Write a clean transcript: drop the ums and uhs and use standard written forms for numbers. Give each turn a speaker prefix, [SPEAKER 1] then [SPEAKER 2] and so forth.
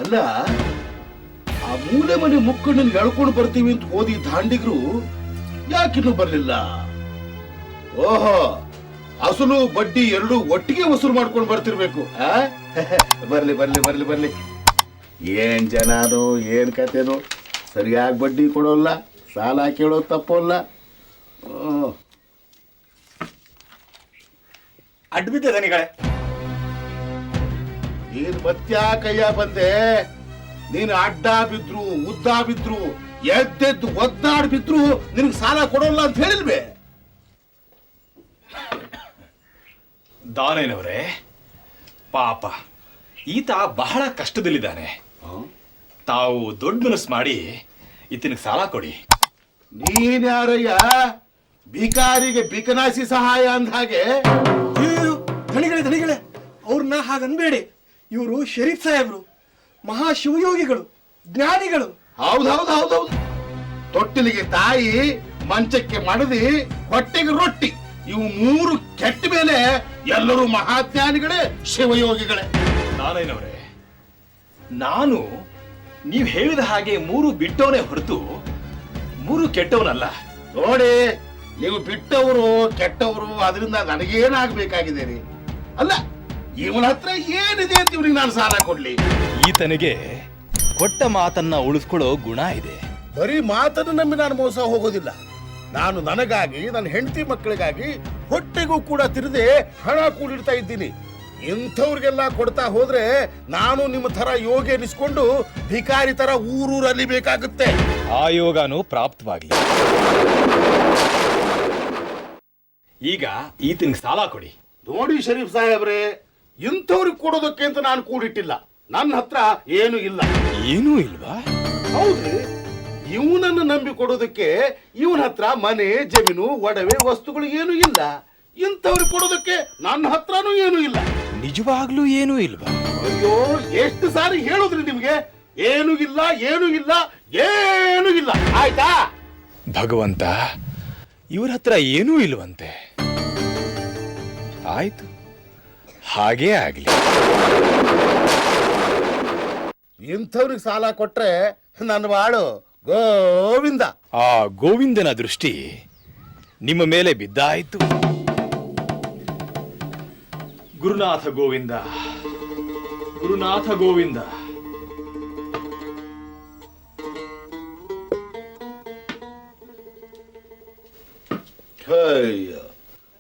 [SPEAKER 1] ಅಲ್ಲ, ಆ ಮೂಲೆ ಮನೆ ಮುಕ್ಕಣ್ಣನ್ ಎಳ್ಕೊಂಡು ಬರ್ತೀವಿ ಅಂತ ಓದಿ ದಾಂಡಿಗ್ರು ಯಾಕಿನ್ನೂ ಬರ್ಲಿಲ್ಲ? ಓಹೋ, ಅಸಲು ಬಡ್ಡಿ ಎರಡು ಒಟ್ಟಿಗೆ ವಸೂಲು ಮಾಡ್ಕೊಂಡು ಬರ್ತಿರ್ಬೇಕು. ಬರ್ಲಿ ಬರ್ಲಿ ಬರ್ಲಿ ಬರ್ಲಿ. ಏನ್ ಜನನೋ ಏನ್ ಕತೆನೋ, ಸರಿಯಾಗಿ ಬಡ್ಡಿ ಕೊಡೋಲ್ಲ, ಸಾಲ ಕೇಳೋದು ತಪ್ಪೋಲ್ಲ.
[SPEAKER 2] ಅಡ್ಬಿದ್ದೆ ದನಿಗಳೇ.
[SPEAKER 1] ನೀನ್ ಮತ್ಯಾ ಕೈಯ ಬಂದೆ? ನೀನು ಅಡ್ಡ ಬಿದ್ರು ಉದ್ದ ಬಿದ್ರು ಎದ್ದೆದ್ದು ಒದ್ದಾಡ್ ಬಿದ್ರು ನಿನಗೆ ಸಾಲ ಕೊಡೋಲ್ಲ ಅಂತ ಹೇಳಿಲ್ವೇ?
[SPEAKER 2] ದಾನೇನವರೇ, ಪಾಪ ಈತ ಬಹಳ ಕಷ್ಟದಲ್ಲಿದ್ದಾನೆ. ತಾವು ದೊಡ್ಡ ಮನಸ್ಸು ಮಾಡಿ ಈತನಿಗೆ ಸಾಲ ಕೊಡಿ.
[SPEAKER 1] ನೀನ್ಯಾರಯ್ಯ ಭಿಕಾರಿಗೆ ಬಿಕನಾಸಿ ಸಹಾಯ ಅಂದ ಹಾಗೆ?
[SPEAKER 3] ಧಣಿಗಳೇ, ಅವ್ರನ್ನ ಹಾಗನ್ಬೇಡಿ. ಇವರು ಶರೀಫ್ ಸಾಹೇಬ್ರು, ಮಹಾ ಶಿವಯೋಗಿಗಳು, ಜ್ಞಾನಿಗಳು.
[SPEAKER 1] ಹೌದೌದು. ತೊಟ್ಟಿಲಿಗೆ ತಾಯಿ, ಮಂಚಕ್ಕೆ ಮಡದಿ, ಹೊಟ್ಟೆಗೆ ರೊಟ್ಟಿ, ಇವು ಮೂರು ಕೆಟ್ಟ ಮೇಲೆ ಎಲ್ಲರೂ ಮಹಾಜ್ಞಾನಿಗಳೇ, ಶಿವಯೋಗಿಗಳೇ.
[SPEAKER 2] ನಾನೇನವರೇ, ನಾನು ನೀವು ಹೇಳಿದ ಹಾಗೆ ಮೂರು ಬಿಟ್ಟವನೇ ಹೊರತು ಮೂರು ಕೆಟ್ಟವನಲ್ಲ.
[SPEAKER 1] ನೋಡಿ, ನೀವು ಬಿಟ್ಟವರು ಕೆಟ್ಟವರು, ಅದರಿಂದ ನನಗೇನಾಗಬೇಕಾಗಿದೆ ರೀ? ಅಲ್ಲ, ಇವನ ಹತ್ರ ಏನಿದೆ ಅಂತ ಇವ್ರಿಗೆ ನಾನು ಸಾಲ ಕೊಡ್ಲಿ?
[SPEAKER 2] ಈತನಿಗೆ ಕೊಟ್ಟ ಮಾತನ್ನ ಉಳಿಸ್ಕೊಳ್ಳೋ ಗುಣ ಇದೆ.
[SPEAKER 1] ಬರೀ ಮಾತನ್ನು ನಂಬಿ ನಾನು ಮೋಸ ಹೋಗೋದಿಲ್ಲ. ನಾನು ನನಗಾಗಿ, ನನ್ನ ಹೆಂಡತಿ ಮಕ್ಕಳಿಗಾಗಿ ಹೊಟ್ಟೆಗೂ ಕೂಡ ತಿರುದೆ ಹಣ ಕೂಡಿಡ್ತಾ ಇದ್ದೀನಿ. ಇಂಥವ್ರಿಗೆಲ್ಲ ಕೊಡ್ತಾ ಹೋದ್ರೆ ನಾನು ನಿಮ್ಮ ತರ ಯೋಗಿ ಎನಿಸ್ಕೊಂಡು ಭಿಕಾರಿ ತರ ಊರೂರಲ್ಲಿ ಬೇಕಾಗುತ್ತೆ.
[SPEAKER 2] ಆ ಯೋಗನೂ ಪ್ರಾಪ್ತವಾಗ್ಲಿ. ಈಗ ಈತನಿಗೆ ಸಾಲ ಕೊಡಿ.
[SPEAKER 1] ನೋಡಿ ಶರೀಫ್ ಸಾಹೇಬ್ರೆ, ಇಂಥವ್ರಿಗೆ ಕೊಡೋದಕ್ಕೆ ಅಂತ ನಾನು ಕೂಡಿಟ್ಟಿಲ್ಲ. ನನ್ನ ಹತ್ರ ಏನು ಇಲ್ಲ.
[SPEAKER 2] ಏನೂ ಇಲ್ವಾ?
[SPEAKER 1] ಹೌದ್ರಿ, ಇವನನ್ನು ನಂಬಿ ಕೊಡೋದಕ್ಕೆ ಇವನ ಹತ್ರ ಮನೆ, ಜಮೀನು, ಒಡವೆ, ವಸ್ತುಗಳು ಏನು ಇಲ್ಲ. ಇಂಥವ್ರಿಗೆ ಕೊಡೋದಕ್ಕೆ ನನ್ನ ಹತ್ರನೂ ಏನು ಇಲ್ಲ.
[SPEAKER 2] ನಿಜವಾಗ್ಲೂ ಏನೂ ಇಲ್ವಾ?
[SPEAKER 1] ಅಯ್ಯೋ, ಎಷ್ಟು ಸಾರಿ ಹೇಳುದ್ರಿ ನಿಮ್ಗೆ? ಏನು ಇಲ್ಲ, ಏನು ಇಲ್ಲ, ಏನು ಇಲ್ಲ. ಆಯ್ತಾ?
[SPEAKER 2] ಭಗವಂತ, ಇವ್ರ ಹತ್ರ ಏನೂ ಇಲ್ವಂತೆ. ಆಯ್ತು, ಹಾಗೇ ಆಗ್ಲಿ.
[SPEAKER 1] ಇಂಥವ್ರಿಗೆ ಸಾಲ ಕೊಟ್ರೆ ನನ್ನ ಬಾಳು ಗೋವಿಂದ.
[SPEAKER 2] ಆ ಗೋವಿಂದನ ದೃಷ್ಟಿ ನಿಮ್ಮ ಮೇಲೆ ಬಿದ್ದಾಯಿತು. ಗುರುನಾಥ ಗೋವಿಂದ, ಗುರುನಾಥ ಗೋವಿಂದ.
[SPEAKER 1] ಅಯ್ಯ,